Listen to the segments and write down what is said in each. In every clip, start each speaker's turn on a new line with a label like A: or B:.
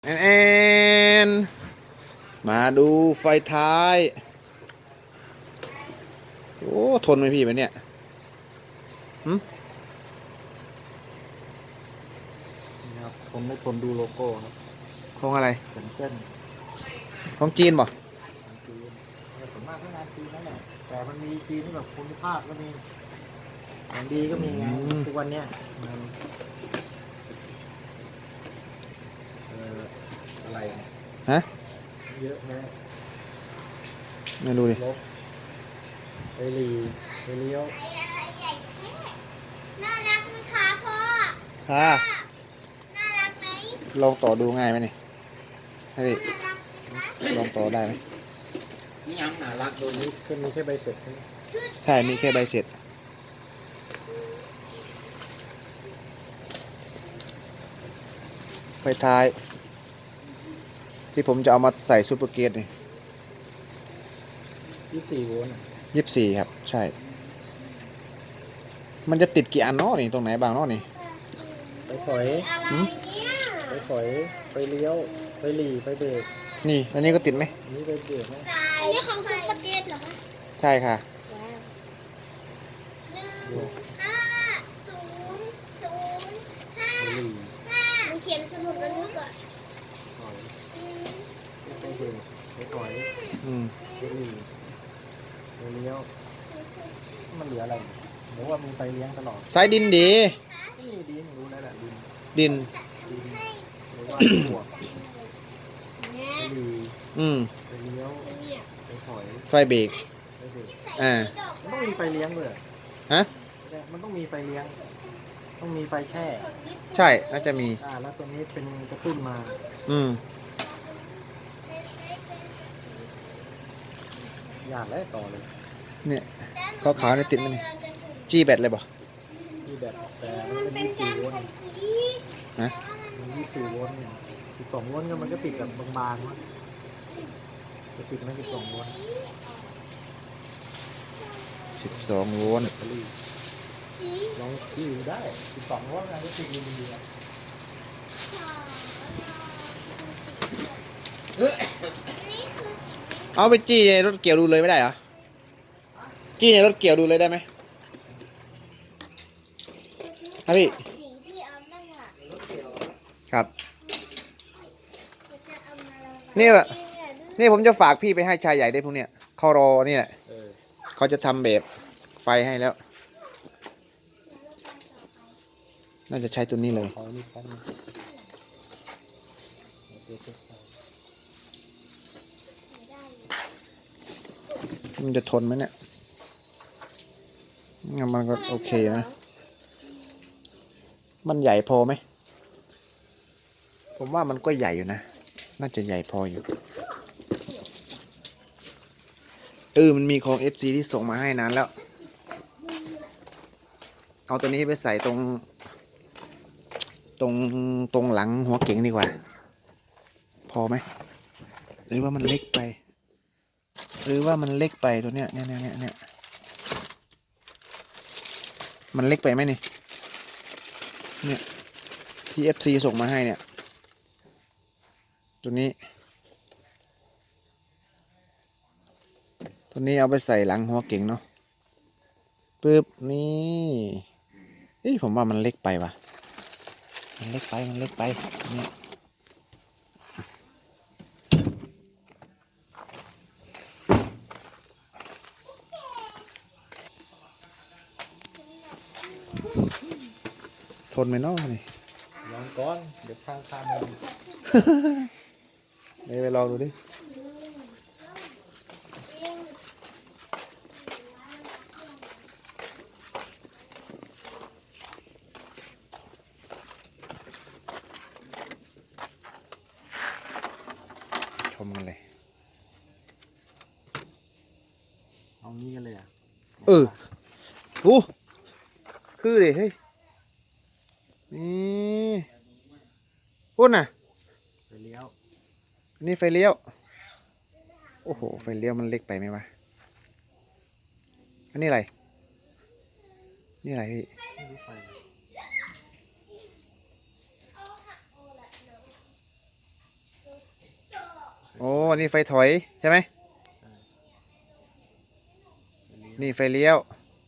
A: แอนมาดูไฟท้ายโอ้ทนไหมพี่มันเนี่ยหืม
B: นี่ครับผมไม่ทนดูโลโก้ครับ
A: ของอะไร
B: เซนเจิ้น
A: ของจีนบ่
B: ของจีนแต่ส่วนมากก็งานจีนนั่นแหละแต่มันมีจีนที่แบบคุณภาพก็มีของดีก็มีไงทุกวันเนี้ยมันเอ่ออะไรเนี่ย
A: ฮะ
B: เยอะแยะ
A: มาดูดิ
B: ลบไปหลีไปเลี้ยว
C: น่ารักไหมคะพ่อ
A: ค่ะ
C: น่ารักไหม
A: ลองต่อดูง่ายไหมนี่ให้พี่
C: น่ารักไหมคะ
A: ลองต่อได้ไหม
B: นี่ยังน่ารักตัวนี้ก็มีแค่ใบเสร็จใช่ไหม
A: ใช่มีแค่ใบเสร็จไฟท้ายที่ผมจะเอามาใส่ซูเปอร์เกียร์นี่
B: 24 โวลต์
A: 24ครับใช่มันจะติดกี่อันเนาะนี่ตรงไหนบ้างเนาะนี่
B: ไปถอย
C: อะไรเนี่ย
B: ไปถอยไปเลี้ยวไปหลีไปเบรก
A: นี่อันนี้ก็ติดไหม
B: อันนี้ไปเบรกนะ
C: อันนี้ของซุปเปอร์เกตเหรอคะ
A: ใช่ค่ะ
C: 15005
B: ไปหลี
C: มันเขียนสมุดบันทึกอ่ะ
B: ถอยไปเบรกไปถอย
A: อืม
B: ไปหลีไปเลี้ยวมันเหลืออะไรหรือว่ามีไฟเลี้ยงตลอด
A: สายดินดี
B: นี่ดินรู้แล้วแหละดิน
A: ดิน
B: ดินหรือว่าบวกไปหลี
A: อืม
B: ไปเลี้ยวไปถอย
A: ไฟเบรก
B: ไปเบรก
A: อ่า
B: มันต้องมีไฟเลี้ยงด้วย
A: ฮะ
B: มันต้องมีไฟเลี้ยงต้องมีไฟแช่
A: ใช่น่าจะมี
B: แล้วตัวนี้เป็นกระตุ้นมา
A: อืม
B: อยากแล้วต่อเลย
A: เนี่ยขาวๆเนี่ยติดมันนี่จี้แบตเลยบ่
B: ที่แบบแต่มันเป็น24 โวลต์
A: ฮะ
B: มัน24 โวลต์12 โวลต์ก็มันก็ติดแบบบางๆมั้งจะติดไม่12 โวลต์
A: 12 โวลต์
B: แบตเตอรี่ลองที่ได้12 โวลต์นะก็ติดดีๆอ่ะ
A: เอาไปจี้ในรถเกี่ยวดูเลยไม่ได้เหรอจี้ในรถเกี่ยวดูเลยได้ไหมครับพี่
C: สีที่เอานั่งหลัง
A: ครับ
C: จะเอามาลง
A: นี่แบบนี่ผมจะฝากพี่ไปให้ชายใหญ่ได้พวกเนี้ยเขารอนี่แหละเขาจะทำแบบไฟให้แล้ว น่าจะใช้ตัวนี้เลย
B: ขอนี่แป๊บนึง
A: มันจะทนไหมเนี่ยงั้นมันก็โอเคนะมันใหญ่พอไหมผมว่ามันก็ใหญ่อยู่นะน่าจะใหญ่พออยู่มันมีของ FC ที่ส่งมาให้นานแล้วเอาตัวนี้ไปใส่ตรงหลังหัวเก๋งดีกว่าพอไหมหรือว่ามันเล็กไปตัวเนี้ยเนี่ยมันเล็กไปไหมนี่เนี่ยที่ FC ส่งมาให้เนี่ยตัวนี้เอาไปใส่หลังหัวเก๋งเนาะปึ๊บนี่ผมว่ามันเล็กไปว่ะมันเล็กไปเนี่ยทนไหมเนาะนี่
B: ลองก้อนเดี๋ยวข้างๆมัน
A: เดี๋ยวไปลองดูดิชมกันเลย
B: เอางี้กันเลยอ่ะ
A: โอ้คือดิเฮ้ยนี่พุ่นน่ะ
B: ไปเลี้ยว
A: นี่ไฟเลี้ยวโอ้โหไฟเลี้ยวมันเล็กไปไหมวะอันนี้อะไรพี่
B: ไม่รู้ไฟ
A: โอ้นี่ไฟถอยใช่ไหมนี่ไฟเลี้ยว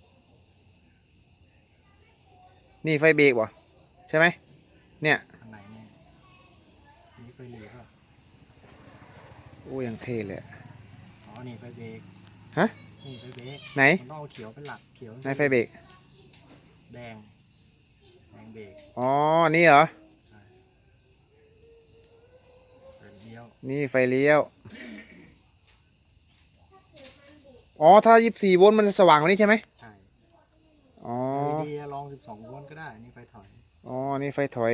A: นี่ไฟเบรกบ่ใช่ไหมเนี่ย
B: อันไหนเนี่ยนี่ไฟเหลียว
A: โอ้ยังเท่เลยอะ
B: อ๋อนี่ไฟเบรก
A: ฮะ
B: นี่ไฟเบรก
A: ไหน
B: มันต้องเอาเขียวเป็นหลักเขียว
A: ไหนไฟเบรก
B: แดงเบรก
A: อ๋อนี่เหรอ
B: ไฟเลี้ยว
A: นี่ไฟเลี้ยวอ๋อถ้า24 โวลต์มันจะสว่างกว่านี้ใช่ไหม
B: ใช่
A: อ๋อ
B: ดีลอง12 โวลต์ก็ได้นี่ไฟถอย
A: อ๋อนี่ไฟถอย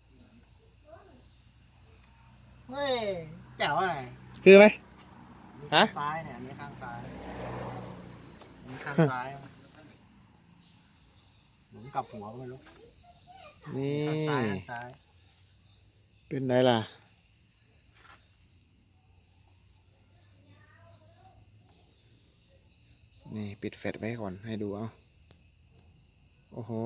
B: เฮ้ยแจ๋วอะไร
A: คือไหม
B: ข้า
A: ฮะ
B: งซ้ายเนี่ยอันนี้ข้างซ้ายอันนี้ข้างซ้ายหมุนกลับหัวก็ไม่รู้
A: นี่
B: ข้างซ้ายข้างซ้าย
A: เป็นไงล่ะนี่ปิดแฟลชไว้ก่อนให้ดูเอาโอ้โห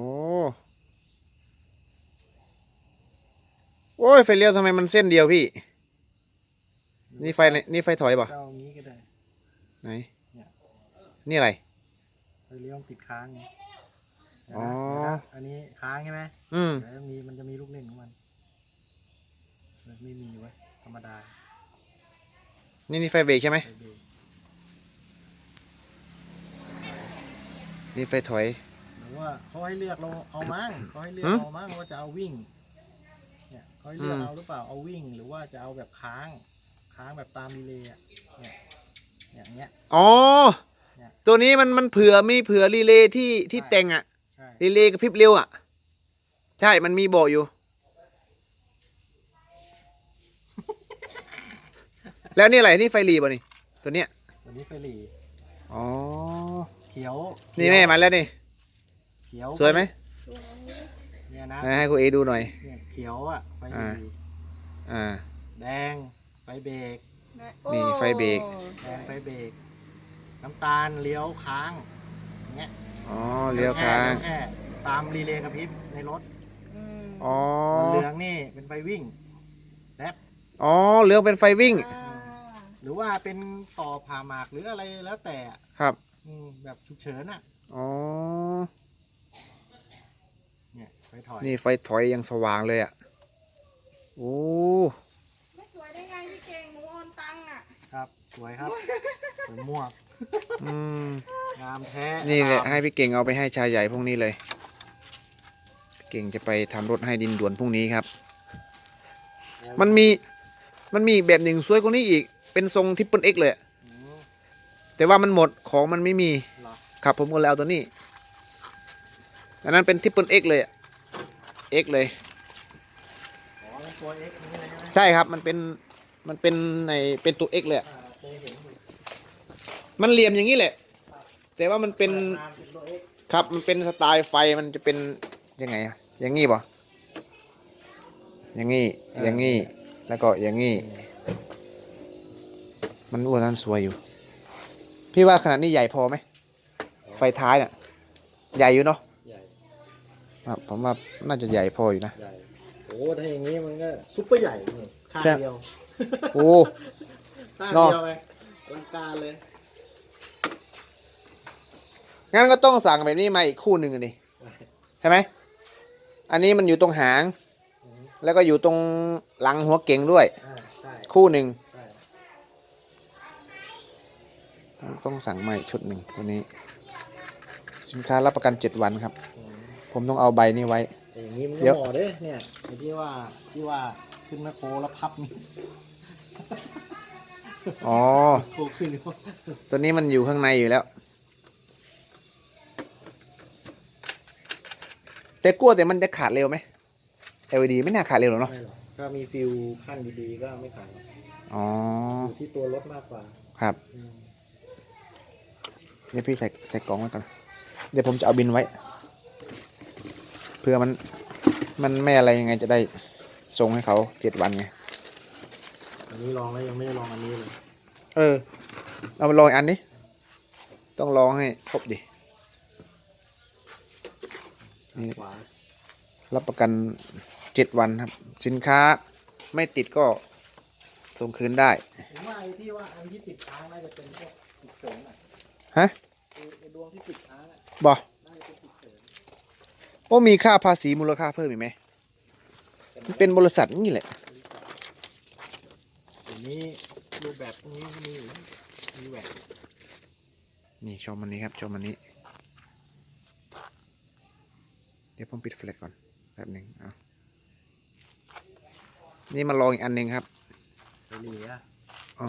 A: โอ้ยไฟเลี้ยวทำไมมันเส้นเดียวพี่นี่ไฟไหนนี่ไฟถอยป่ะ
B: เจ้านี้ก็ได้
A: ไหน
B: เนี่ย
A: นี่อะไร
B: ไฟเลี้ยวมันติดค้างไงเดี๋ยว
A: อ๋อ
B: นะอันนี้ค้างใช่ไหม
A: อืม
B: เดี๋ยวมันจะมีลูกเล่นของมันไม่มีไว้ธรรมดา
A: นี่ไฟเบรกใช่ไหม
B: ไฟเบรก
A: นี่ไฟถอย
B: หรือว่าเขาให้เลือกเราเอามั้งเขาให้เลือก
A: หืม
B: เอามั้งว่าจะเอาวิ่งเนี่ยเขาให้เลือกเอาหรือเปล่าเอาวิ่งหรือว่าจะเอาแบบค้างแบบตามรีเลย์อะเนี่ยอย่างเงี้ย
A: อ๋อ
B: เนี่ย
A: ตัวนี้มันเผื่อมีเผื่อรีเลย์ที่แต่งอะ
B: ใช่
A: รีเลย์กระพริบเร็วอะใช่มันมีบอกอยู่ แล้วนี่อะไรนี่ไฟรีป่ะนี่ตัวเนี้ย
B: ตัวนี้ไฟหลี
A: อ๋อ
B: เขียว
A: นี่แม่มาแล้วนี่
B: เขียว
A: สวยไหม
C: สวย
B: เนี่ยนะ
A: ให้คุณเอดูหน่อย
B: เนี่ยเขียวอ่ะไฟหลี
A: อ่า
B: แดงไฟเบรก
A: นี่ไฟเบรก
B: แดงไฟเบรกน้ำตาลเลี้ยวค้างอย่างเงี้ย
A: อ๋อเลี้ยวค้าง
B: แค่ตามรีเลย์กระพริบในรถ
A: อ๋อ
B: ส่วนเหลืองนี่เป็นไฟวิ่งแรป
A: อ๋อเหลืองเป็นไฟวิ่ง
B: หรือว่าเป็นต่อผ่าหมากหรืออะไรแล้วแต่อะ
A: ครับ
B: แบบฉุกเฉินอ่ะ
A: อ๋อ
B: เนี่ยไฟถอย
A: นี่ไฟถอยยังสว่างเลยอ่ะโอ้
D: ไม่สวยได้ไงพี่เก่งหนูโอนตังค์อ่ะ
B: ครับสวยครับสวยม่วง
A: อืม
B: งามแท้
A: นี่แหละ
B: งาม
A: ให้พี่เก่งเอาไปให้ชายใหญ่พรุ่งนี้เลยเก่งจะไปทำรถให้ดินด่วนพรุ่งนี้ครับ มันมีอีกแบบหนึ่งสวยกว่านี้อีกเป็นทรงทิปเปิลเอ็กเลยอะ
B: อืม
A: แต่ว่ามันหมดของมันไม่มี
B: เหรอ
A: ครับผมก็เลยเอาตัวนี้อันนั้นเป็นทิปเปิลเอ็กเลยเอ็กเลย
B: อ๋อเป็นตัว X นี่เลยใช่ไหม
A: ใช่ครับมันเป็นในเป็นตัวเอ็กเลยอะ
B: เคยเห็นอยู่
A: มันเหลี่ยมอย่างนี้แหละ แต่ว่ามันเป็น
B: ตามเป็นตัว X
A: ครับมันเป็นสไตล์ไฟมันจะเป็นยังไงอะอย่างงี้ป่ะอย่างงี้อย่างงี้แล้วก็อย่างงี้มันอ้วนนั้นสวยอยู่ พี่ว่าขนาดนี้ใหญ่พอไหมไฟท้ายน่ะใหญ่อยู่เนาะ
B: ใหญ่
A: ครับผมว่าน่าจะใหญ่พออยู่นะ
B: ใหญ่โอ้ถ้าอย่างนี้มันก็ซุปเปอร์ใหญ่นี่ข้าง
A: ใช่
B: เดียว
A: โอ้
B: ข้าง
A: เนาะ
B: เดียวไงอลังการเลย
A: งั้นก็ต้องสั่งแบบนี้มาอีกคู่หนึ่งอะดิใช่ไหมอันนี้มันอยู่ตรงหาง
B: อืม
A: แล้วก็อยู่ตรงหลังหัวเก่งด้วย
B: ใช่
A: คู่หนึ่ง
B: ใช่
A: ต้องสั่งมาอีกชุดหนึ่งตัวนี้ สินค้ารับประกัน 7 วันครับ
B: อืม
A: ผมต้องเอาใบนี้ไว้
B: แต่อย่างนี้มัน
A: เดี๋
B: ก็
A: ยว
B: เหมาะเด้เนี่ยไอ้ที่ว่าขึ้นแมคโครแล้วพับนี่
A: อ๋อ
B: โครขึ้นอยู่
A: ตัวนี้มันอยู่ข้างในอยู่แล้ว แต่กลัวแต่มันจะขาดเร็วไหม LED ไม่น่าขาดเร็วหรอกเนาะ
B: ไม่หรอกถ้ามีฟิลขั้นดีๆก็ไม่ขายหรอก
A: อ๋อ
B: อยู่ที่ตัวรถมากกว่า
A: ครับ
B: อืม
A: เดี๋ยวพี่ใส่กล่องไว้ก่อน เดี๋ยวผมจะเอาบินไว้ เพื่อมันไม่อะไรยังไงจะได้ส่งให้เขา7 วันไง
B: อันนี้ลองแล้วยังไม่ได้ลองอันนี้เลย
A: เออ เอามาลองอีกอันนี้ ต้องลองให้ครบดิ นี่
B: ขวา
A: รับประกัน7 วันครับ สินค้าไม่ติดก็ส่งคืนได้
B: ผมว่าไอ้ที่ว่าอันที่ติดค้างน่าจะเป็นพวกติดเสริมอ่ะ
A: ฮะ
B: ไอ้ดวงที่ติดค้างอ่ะ
A: บ่
B: น่าจะเป็นติดเสริม
A: โอ้มีค่าภาษีมูลค่าเพิ่มอีกไหมมันเป็นบริษัทนี่แหละ
B: ทีนี้รูปแบบพวกนี้มีอยู่มีแหวน
A: นี่ชมมันนี้ครับชมมันนี้ เดี๋ยวผมปิดแฟลชก่อนแป๊บหนึ่งเอานี่มาลองอีกอันหนึ่งครับ
B: ไปเหลีย
A: อ๋อ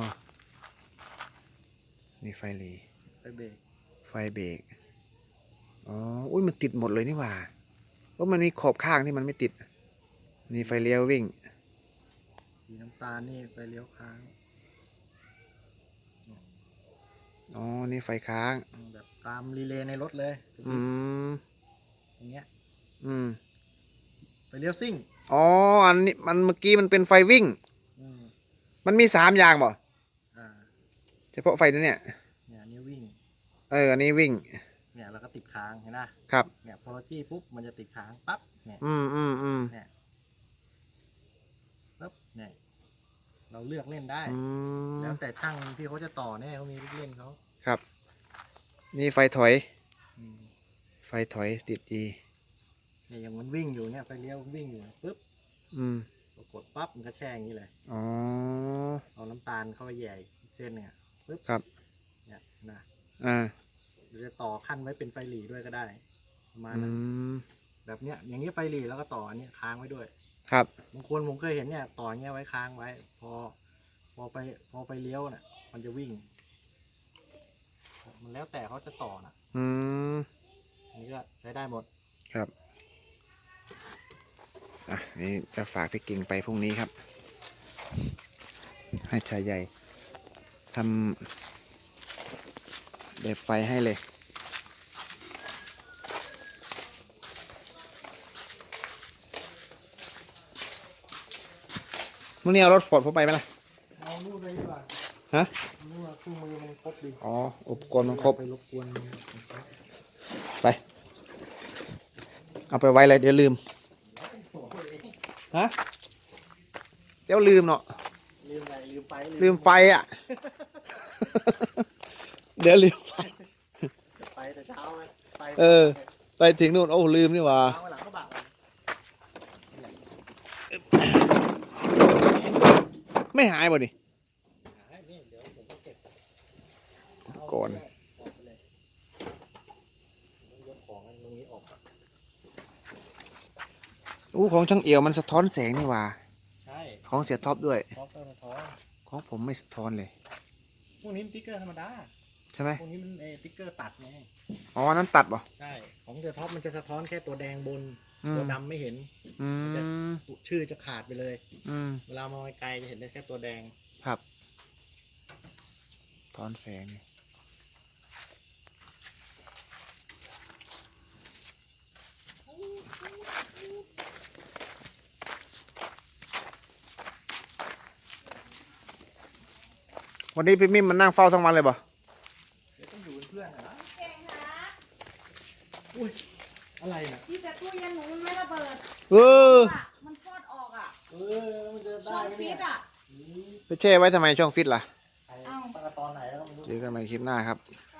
A: นี่ไฟหลี
B: ไปเบรก
A: ไฟเบรกอ๋ออุ้ยมันติดหมดเลยนี่หว่าเพราะมันมีขอบข้างที่มันไม่ติดนี่ไฟเลี้ยววิ่ง
B: สีน้ำตาลนี่ไฟเลี้ยวค้าง
A: อ๋อนี่ไฟค้าง
B: แบบตามรีเลย์ในรถเลย
A: อืม
B: อย่างเงี้ย
A: อืม
B: ไฟเลี้ยวซิ่ง
A: อ๋ออันนี้มันเมื่อกี้มันเป็นไฟวิ่ง
B: อืม
A: มันมี3อย่างบ่
B: อ่า
A: เฉพาะไฟตัวเนี่ย
B: เนี่ยนี่วิ่ง
A: อันนี้วิ่ง
B: เนี่ยแล้วก็ติดค้างเห็นนะครับ เนี่ยพอเราจี้ปุ๊บมันจะติดค้างปั๊บเนี่ย
A: อืม
B: ปุ๊บเนี่ยเราเลือกเล่นได้
A: อืม
B: แล้วแต่ช่างที่เขาจะต่อเนี่ยเขามีลูกเล่นเขา
A: ครับ นี่ไฟถอย
B: อืม
A: ไฟถอยติดดี
B: เนี่ยอย่างมันวิ่งอยู่เนี่ยไฟเลี้ยวมันวิ่งอยู่ปุ๊บ
A: อืม
B: เรากดปั๊บมันก็แช่อย่างนี้เลย
A: อ๋อ
B: เอาน้ำตาลเข้าไปแหย่อีกเส้นเนี่ยปุ๊บ
A: ครับ
B: เนี่ยนะ
A: อ่า
B: หรือจะต่อขั้นไว้เป็นไฟหลีด้วยก็ได้ประมาณ
A: อื
B: นั้น
A: ม
B: แบบเนี้ยอย่างนี้ไฟหลีแล้วก็ต่ออันนี้ค้างไว้ด้วย
A: ครับ
B: บางคนผมเคยเห็นเนี่ยต่อเงี้ยไว้ค้างไว้ พอไฟเลี้ยวน่ะ มันจะวิ่ง มันแล้วแต่เขาจะต่อน่ะ
A: อืม
B: อันนี้ก็ใช้ได้หมด
A: ครับ อ่ะ นี่จะฝากพี่กิ่งไปพรุ่งนี้ครับ ให้ชายใหญ่ทำแบบไฟให้เลย มื่อนี้เอารถฟอร์ดผมไปไหมล่ะ
B: เอานู่นเลยดีกว่า
A: ฮะ
B: นู่นคู่มือมันครบดี
A: อ๋อ อุปกรณ์มันครบ
B: ไปรบกวน
A: ไป เอาไปไว้เลยเดี๋ยวลืม ฮะ เดี๋ยวลืมเนาะ
B: ลืมอะไรลืมไฟ
A: ลืมไฟอ่ะ เดี๋ยวลืมไฟ
B: ไปแต่เช้าเลยไป
A: เออ ไปถึงนู่นโอ้ลืมนี่หว่า
B: เช้าหลังก็บะ
A: ไม่หายบ่นี่
B: นี่เดี๋ยวผมก็เก็บ
A: ก่อน
B: ออกไปเลยยกของอันตรงนี้ออกก่อน
A: อู้ของช่างเอี่ยวมันสะท้อนแสงนี่หว่า
B: ใช่
A: ของเสียท็อปด้วย
B: ท็อปเตอร์มาท้อน
A: ของผมไม่สะท้อนเลย
B: พวกนี้มันติ๊กเกอร์ธรรมดา
A: ใช่ไหม
B: พวกนี้มันติ๊กเกอร์ตัดไง
A: อ๋อ นั้นตัดบ่
B: ใช่ ของเดอะท็อปมันจะสะท้อนแค่ตัวแดงบน
A: อืม
B: ตัวดำไม่เห็น
A: อืม
B: ชื่อจะขาดไปเลย
A: อืม
B: เวลามองไกลๆจะเห็นได้แค่ตัวแดง
A: ครับถอนแสงนี่วันนี้พี่มิมมันนั่งเฝ้าทั้งวันเลยบ่
B: เดี๋ยวต้องอยู่เป็นเพื่อนอะนะ
D: เก่งคะ
B: อุ้ย อะไรน่ะ
D: ที่แต่ตู้เย็นหนูมันไม่ระเบิด
A: เออ
D: อะมันฟอดออกอ่ะ
B: มันจะ
D: ช่
B: ได้
D: อง
B: ไหม
D: ฟิ
B: เนี่ย
D: ตอ่ะ
A: ไปแช่ไว้ทำไมช่องฟิตล่ะ
B: ไอ้ตั้งแต่ตอนไหนแล้วก็ไม่รู้
A: เจอกันใหม่คลิปหน้าครับ